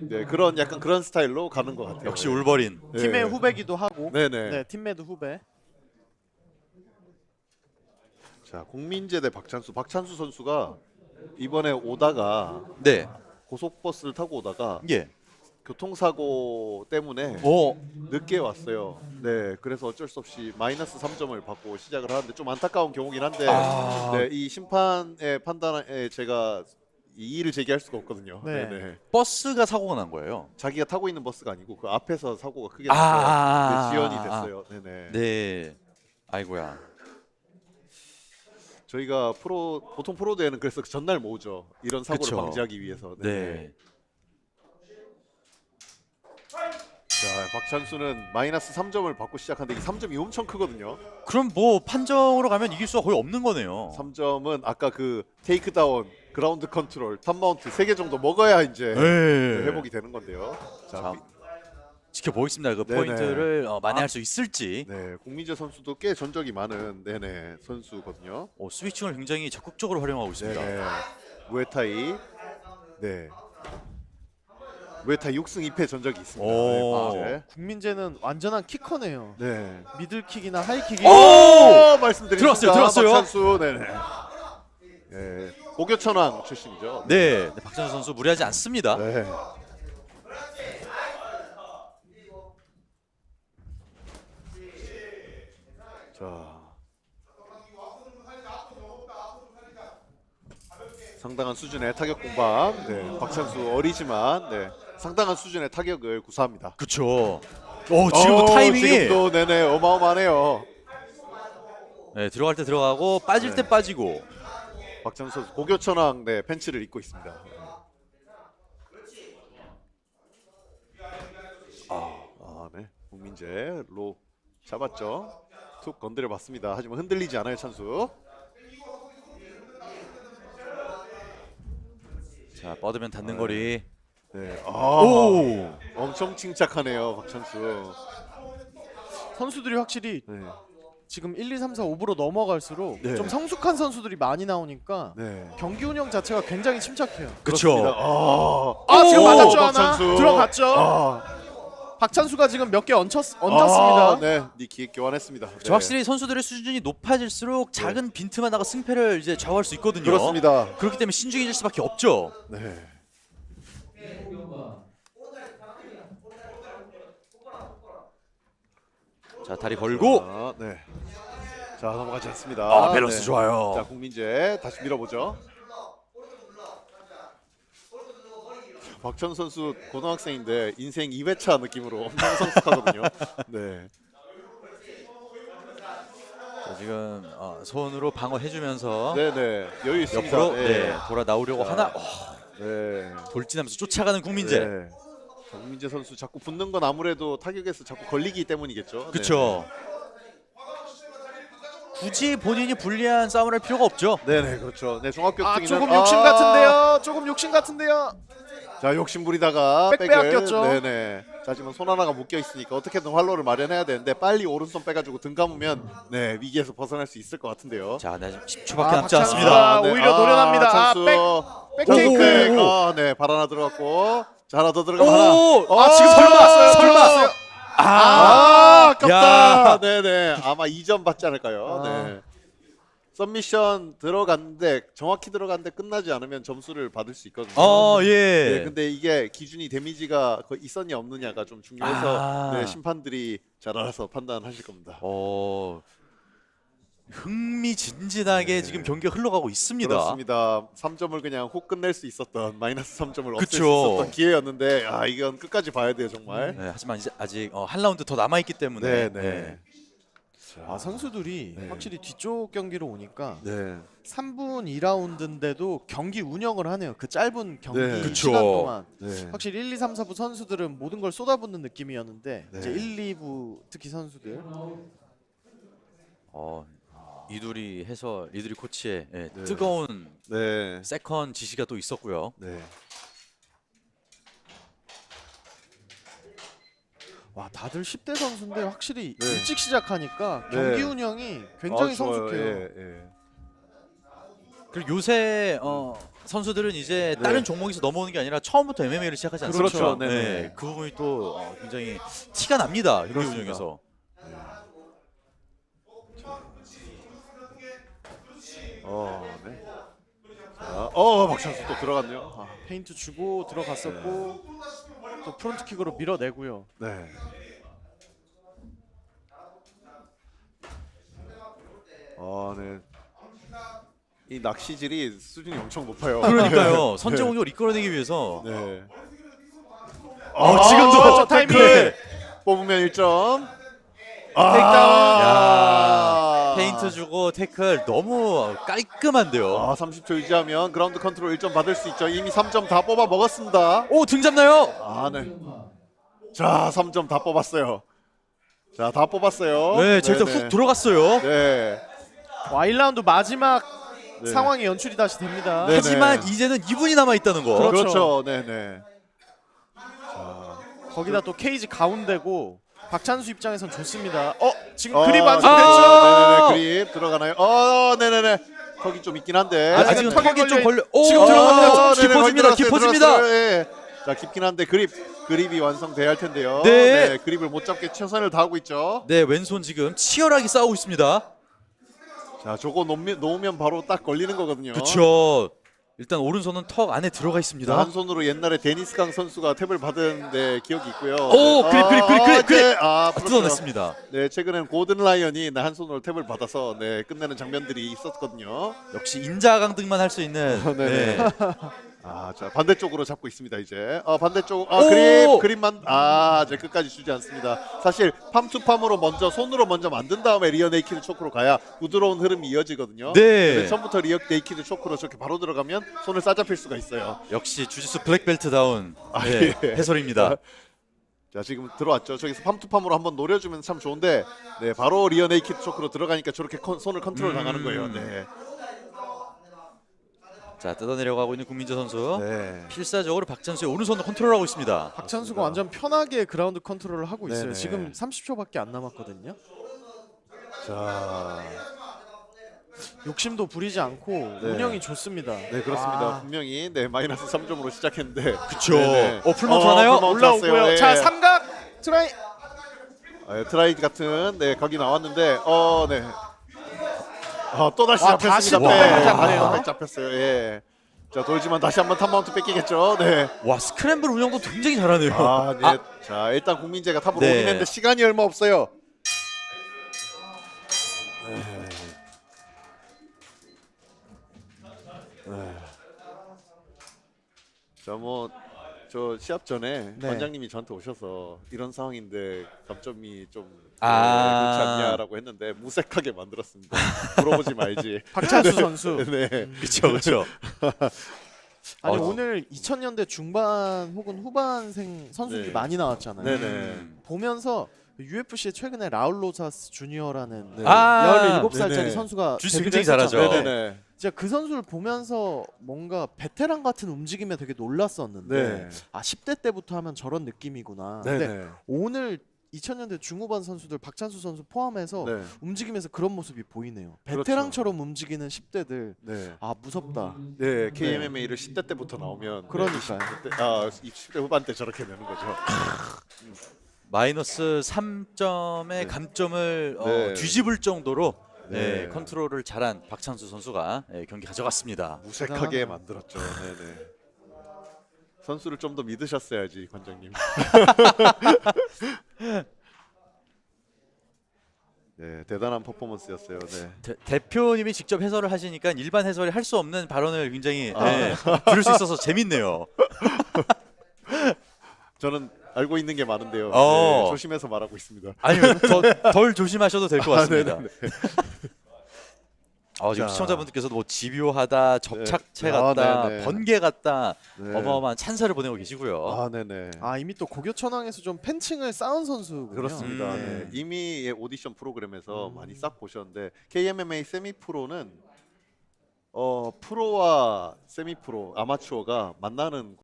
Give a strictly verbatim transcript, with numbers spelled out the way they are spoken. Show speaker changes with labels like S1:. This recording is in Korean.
S1: 네, 그런 약간 그런 스타일로 가는 것 같아요.
S2: 역시 울버린.
S1: 네.
S3: 팀의 후배기도 하고.
S1: 네네.
S3: 네, 팀메드 후배.
S1: 자, 국민제대 박찬수. 박찬수 선수가 이번에 오다가
S2: 네.
S1: 고속버스를 타고 오다가
S2: 예.
S1: 교통사고 때문에
S2: 오.
S1: 늦게 왔어요. 네, 그래서 어쩔 수 없이 마이너스 삼 점을 받고 시작을 하는데 좀 안타까운 경우긴 한데,
S2: 아.
S1: 네, 이 심판의 판단에 제가 이의를 제기할 수가 없거든요.
S3: 네.
S1: 네, 네.
S2: 버스가 사고가 난 거예요.
S1: 자기가 타고 있는 버스가 아니고 그 앞에서 사고가 크게 나서
S2: 아.
S1: 네, 지연이 됐어요. 네네.
S2: 네. 아이고야.
S1: 저희가 프로 보통 프로 대회는 그래서 그 전날 모으죠. 이런 사고를
S2: 그쵸.
S1: 방지하기 위해서.
S2: 네.
S1: 네. 자, 박찬수는 마이너스 삼 점을 받고 시작하는데 이 삼 점이 엄청 크거든요.
S2: 그럼 뭐 판정으로 가면 이길 수가 거의 없는 거네요.
S1: 삼 점은 아까 그 테이크다운, 그라운드 컨트롤, 탑마운트 세 개 정도 먹어야 이제
S2: 네.
S1: 회복이 되는 건데요. 자,
S2: 자, 지켜보겠습니다. 그
S1: 네네.
S2: 포인트를 어, 만회할 수 있을지.
S1: 네, 국민재 선수도 꽤 전적이 많은 네네 선수거든요.
S2: 어, 스위칭을 굉장히 적극적으로 활용하고 있습니다.
S1: 네네. 무에타이, 네. 무에타이 육 승 이 패 전적이 있습니다.
S2: 오.
S1: 네,
S3: 아, 국민재는 완전한 키커네요.
S1: 네.
S3: 미들킥이나 하이킥이.
S1: 오! 말씀드린
S2: 들어왔어요,
S1: 순간
S2: 들어왔어요.
S1: 박찬수, 네네. 네, 고교천왕 출신이죠.
S2: 네, 네, 박찬수 선수 무리하지 않습니다.
S1: 네. 자, 상당한 수준의 타격 공방. 네, 박찬수 어리지만 네, 상당한 수준의 타격을 구사합니다.
S2: 그렇죠. 오, 지금도
S1: 어,
S2: 타이밍이
S1: 지금도 네네 어마어마하네요.
S2: 네, 들어갈 때 들어가고 빠질
S1: 네.
S2: 때 빠지고.
S1: 박찬수 선수 고교천왕 네, 팬츠를 입고 있습니다. 아, 아, 네, 국민재 로 잡았죠. 툭 건드려 봤습니다. 하지만 흔들리지 않아요, 찬수.
S2: 자, 뻗으면 닿는 거리.
S1: 네, 아,
S2: 오!
S1: 엄청 침착하네요, 박찬수.
S3: 선수들이 확실히
S1: 네,
S3: 지금 일, 이, 삼, 사, 오부로 넘어갈수록
S1: 네.
S3: 좀 성숙한 선수들이 많이 나오니까
S1: 네.
S3: 경기 운영 자체가 굉장히 침착해요.
S2: 그렇죠.
S1: 아,
S3: 아, 지금
S2: 오,
S3: 맞았죠 하나?
S1: 박찬수.
S3: 들어갔죠?
S1: 아,
S3: 박찬수가 지금 몇 개 얹혔, 얹었습니다.
S1: 아, 네, 니킥 교환했습니다. 네.
S2: 저 확실히 선수들의 수준이 높아질수록 작은 빈틈만 나가 승패를 이제 좌우할 수 있거든요.
S1: 그렇습니다.
S2: 그렇기 때문에 신중해질 수밖에 없죠.
S1: 네.
S2: 자, 다리 걸고.
S1: 자, 네. 자, 넘어가지 않습니다.
S2: 아, 밸런스
S1: 네.
S2: 좋아요.
S1: 자, 국민재 다시 밀어보죠. 박찬수 선수 고등학생인데 인생 이 회차 느낌으로 엄청 성숙하거든요. 네.
S2: 자, 지금 어, 손으로 방어해주면서
S1: 네네. 여유 있습니다.
S2: 옆으로 네, 돌아 나오려고
S1: 자,
S2: 하나. 어,
S1: 네.
S2: 돌진하면서 쫓아가는 국민재.
S1: 네. 자, 국민재 선수 자꾸 붙는 건 아무래도 타격에서 자꾸 걸리기 때문이겠죠.
S2: 그렇죠. 굳이 본인이 불리한 싸움을 할 필요가 없죠.
S1: 네. 네네, 그렇죠. 네, 종합격투기는
S3: 아, 조금 욕심 같은데요. 조금 욕심 같은데요.
S1: 자, 욕심 부리다가
S3: 백
S1: 백을
S3: 빼앗겼죠.
S1: 네네. 자, 지금 손 하나가 묶여 있으니까 어떻게든 활로를 마련해야 되는데 빨리 오른손 빼가지고 등 감으면 네 위기에서 벗어날 수 있을 것 같은데요.
S2: 자, 나 지금 십 초밖에
S3: 아,
S2: 남지
S3: 박찬수가
S2: 않습니다.
S1: 네.
S3: 오히려 노련합니다. 아,
S1: 찬수.
S3: 백
S1: 오,
S3: 테이크.
S1: 아, 네, 발 하나 들어갔고, 자, 하나 더 들어가면
S2: 오!
S1: 하나.
S3: 아, 지금
S1: 아,
S3: 들어갔어요.
S1: 설마.
S3: 들어갔어요.
S2: 아,
S1: 아, 아깝다.
S2: 야.
S1: 네네. 아마 이 점 받지 않을까요?
S3: 아.
S1: 네. 썸미션 들어갔는데 정확히 들어갔는데 끝나지 않으면 점수를 받을 수 있거든요.
S2: 어, 예.
S1: 네, 근데 이게 기준이 데미지가 거의 있었냐 없느냐가 좀 중요해서
S2: 아.
S1: 네, 심판들이 잘 알아서 판단하실 겁니다.
S2: 어, 흥미진진하게
S1: 네.
S2: 지금 경기가 흘러가고 있습니다.
S1: 그렇습니다. 삼 점을 그냥 훅 끝낼 수 있었던 마이너스 삼 점을 없앨 수
S2: 그쵸.
S1: 있었던 기회였는데 아 이건 끝까지 봐야 돼요 정말.
S2: 네, 하지만 이제 아직 어, 한 라운드 더 남아 있기 때문에.
S1: 네, 네.
S3: 아, 선수들이
S1: 네.
S3: 확실히 뒤쪽 경기로 오니까
S1: 네.
S3: 삼 분 이 라운드인데도 경기 운영을 하네요. 그 짧은 경기
S1: 네.
S2: 그쵸.
S3: 시간 동안.
S1: 네.
S3: 확실히 일, 이, 삼, 사 부 선수들은 모든 걸 쏟아붓는 느낌이었는데
S1: 네.
S3: 이제 일, 이 부 특히 선수들
S2: 어, 이두리 해서 이두리 코치의 예,
S1: 네.
S2: 뜨거운
S1: 네.
S2: 세컨 지시가 또 있었고요.
S1: 네.
S3: 와, 다들 십 대 선수인데 확실히
S1: 네.
S3: 일찍 시작하니까
S1: 네.
S3: 경기 운영이 굉장히
S1: 아, 좋아요.
S3: 성숙해요.
S1: 예, 예.
S2: 그리고 요새 어, 선수들은 이제
S1: 네.
S2: 다른 종목에서 넘어오는 게 아니라 처음부터 엠엠에이를 시작하지 않습니까?
S1: 그렇죠. 네네.
S2: 네, 그 부분이 또 어, 굉장히 티가 납니다. 경기
S1: 그렇습니다.
S2: 운영에서.
S1: 어, 네. 자, 어, 박찬수 또 들어갔네요.
S3: 아, 페인트 주고 들어갔었고 또 프론트킥으로 밀어내고요.
S1: 네. 아, 네. 이 낚시질이 수준이 엄청 높아요.
S2: 그러니까요. 선제 공격을 이끌어내기 위해서
S1: 네.
S2: 어, 지금도
S3: 아, 타이밍!
S1: 태클 뽑으면 일 점.
S3: 테이크다운.
S2: 야, 페인트 주고 태클 너무 깔끔한데요.
S1: 아, 삼십 초 유지하면 그라운드 컨트롤 일 점 받을 수 있죠. 이미 삼 점 다 뽑아 먹었습니다.
S2: 오, 등 잡나요?
S1: 아, 네. 자, 삼 점 다 뽑았어요. 자, 다 뽑았어요.
S2: 네, 제 일단
S1: 네네.
S2: 훅 들어갔어요.
S1: 네.
S3: 와, 일 라운드 마지막
S1: 네.
S3: 상황이 연출이 다시 됩니다.
S1: 네.
S2: 하지만 이제는 이 분이 남아 있다는 거.
S3: 그렇죠.
S1: 그렇죠. 네, 네.
S3: 거기다 또 케이지 가운데고 박찬수 입장에선 좋습니다. 어, 지금
S1: 어,
S3: 그립
S1: 네,
S3: 완성됐죠?
S1: 네네네. 그립 들어가나요? 어, 네네네. 턱이 좀 있긴 한데.
S3: 아직은
S2: 아직은
S3: 턱에
S2: 턱이 좀
S3: 걸려
S2: 걸려. 오,
S3: 지금 들어갑니다.
S1: 어, 네네,
S2: 깊어집니다.
S1: 거의 들어갔어요,
S2: 깊어집니다.
S1: 들어갔어요. 예. 자, 깊긴 한데 그립 그립이 완성돼야 할 텐데요.
S2: 네.
S1: 그립을 못 잡게 최선을 다하고 있죠.
S2: 네, 왼손 지금 치열하게 싸우고 있습니다.
S1: 자, 저거 놓으면, 놓으면 바로 딱 걸리는 거거든요.
S2: 그렇죠. 일단 오른손은 턱 안에 들어가
S1: 자,
S2: 있습니다.
S1: 한 손으로 옛날에 데니스 강 선수가 탭을 받은 네, 기억이 있고요.
S2: 오,
S1: 네.
S2: 그립, 그립, 그립, 그립, 그립.
S1: 네. 아, 그렇죠.
S2: 뜯어냈습니다.
S1: 네, 최근엔 고든 라이언이 네, 한 손으로 탭을 받아서 네, 끝내는 장면들이 있었거든요.
S2: 역시 인자강등만 할 수 있는.
S1: 네네.
S2: 네.
S1: 아, 자, 반대쪽으로 잡고 있습니다, 이제. 어, 반대쪽. 아,
S2: 오!
S1: 그립, 그립만 아, 이제 끝까지 주지 않습니다. 사실 팜투팜으로 먼저 손으로 먼저 만든 다음에 리어 네이키드 초크로 가야 부드러운 흐름이 이어지거든요.
S2: 네.
S1: 근데 처음부터 리어 네이키드 초크로 저렇게 바로 들어가면 손을 싸잡힐 수가 있어요.
S2: 역시 주짓수 블랙벨트다운
S1: 아,
S2: 네,
S1: 예.
S2: 해설입니다.
S1: 자, 지금 들어왔죠. 저기서 팜투팜으로 한번 노려주면 참 좋은데, 네, 바로 리어 네이키드 초크로 들어가니까 저렇게 컨, 손을 컨트롤
S2: 음.
S1: 당하는 거예요. 네.
S2: 자, 뜯어내려고 하고 있는 국민재 선수.
S1: 네.
S2: 필사적으로 박찬수의 오른손을 컨트롤하고 있습니다.
S3: 박찬수가 완전 편하게 그라운드 컨트롤을 하고 있어요.
S1: 네네.
S3: 지금 삼십 초밖에 안 남았거든요.
S1: 자,
S3: 욕심도 부리지 않고
S1: 네.
S3: 운영이 좋습니다.
S1: 네, 그렇습니다.
S3: 아,
S1: 분명히 네, 마이너스 삼 점으로 시작했는데.
S2: 그쵸.
S1: 네네.
S2: 어, 풀마운트 하나요?
S1: 풀마운트
S3: 올라오고요.
S1: 왔어요. 예.
S3: 자, 삼각 트라이.
S1: 아, 예, 트라이 같은 네, 각이 나왔는데 어, 네. 아, 또 다시
S3: 와,
S1: 잡혔습니다.
S3: 다시
S2: 또
S1: 백.
S2: 백
S3: 잡네요.
S1: 아, 백 잡혔어요. 예. 자, 돌지만 다시 한번 탑마운트 뺏기겠죠. 네.
S2: 와, 스크램블 운영도 굉장히 잘하네요.
S1: 아, 네.
S2: 아,
S1: 자, 일단 국민재가 탑으로
S2: 네.
S1: 오긴 했는데 시간이 얼마 없어요. 자, 뭐 저 시합 전에
S3: 네.
S1: 관장님이 저한테 오셔서 이런 상황인데 감점이 좀
S2: 아.
S1: 네, 그렇지 않냐라고 했는데 무색하게 만들었습니다. 물어보지 말지.
S3: 박찬수 선수.
S1: 네.
S2: 그렇죠, 그렇죠.
S3: 아니
S2: 어.
S3: 오늘 이천 년대 중반 혹은 후반생 선수들이
S1: 네.
S3: 많이 나왔잖아요.
S1: 네네.
S2: 음.
S3: 보면서 유에프씨에 최근에 라울 로사스 주니어라는
S1: 네.
S2: 아,
S3: 열일곱 살짜리
S1: 네네.
S3: 선수가
S2: 주짓수
S3: 데뷔를
S2: 굉장히 잘하죠.
S3: 했었잖아요.
S1: 네네네.
S3: 진짜 그 선수를 보면서 뭔가 베테랑 같은 움직임에 되게 놀랐었는데
S1: 네.
S3: 아 십 대 때부터 하면 저런 느낌이구나.
S1: 네네.
S3: 근데 오늘 이천 년대 중후반 선수들 박찬수 선수 포함해서
S1: 네.
S3: 움직임에서 그런 모습이 보이네요.
S1: 그렇죠.
S3: 베테랑처럼 움직이는 십 대들.
S1: 네.
S3: 아 무섭다.
S1: 네, 케이엠엠에이를 십 대 때부터 나오면
S3: 그러니까요.
S1: 네, 이십 대, 아, 이십 대 후반 때 저렇게 내는 거죠.
S2: 마이너스 삼 점의
S1: 네.
S2: 감점을 어,
S1: 네.
S2: 뒤집을 정도로 네,
S1: 네.
S2: 컨트롤을 잘한 박찬수 선수가 네, 경기 가져갔습니다.
S1: 무색하게
S3: 대단하다.
S1: 만들었죠. 네네. 선수를 좀 더 믿으셨어야지, 관장님. 네, 대단한 퍼포먼스였어요. 네.
S2: 대, 대표님이 직접 해설을 하시니까 일반 해설이 할 수 없는 발언을 굉장히
S1: 아.
S2: 네, 들을 수 있어서 재밌네요.
S1: 저는 알고 있는 게 많은데요.
S2: 어.
S1: 네, 조심해서 말하고 있습니다.
S2: 아니요, 더, 덜 조심하셔도 될 것 같습니다.
S1: 아, 네네네.
S2: 어, 지금
S1: 자.
S2: 시청자분들께서도 뭐 집요하다, 접착체
S1: 네.
S2: 같다,
S1: 아, 네네.
S2: 번개 같다,
S1: 네.
S2: 어마어마한 찬사를 보내고 계시고요.
S1: 아, 네네.
S3: 아 이미 또 고교천왕에서 좀 팬층을 쌓은 선수군요.
S1: 그렇습니다.
S2: 음.
S1: 네. 이미 오디션 프로그램에서 많이 싹 보셨는데 케이엠엠에이 세미 프로는 어 프로와 세미 프로 아마추어가 만나는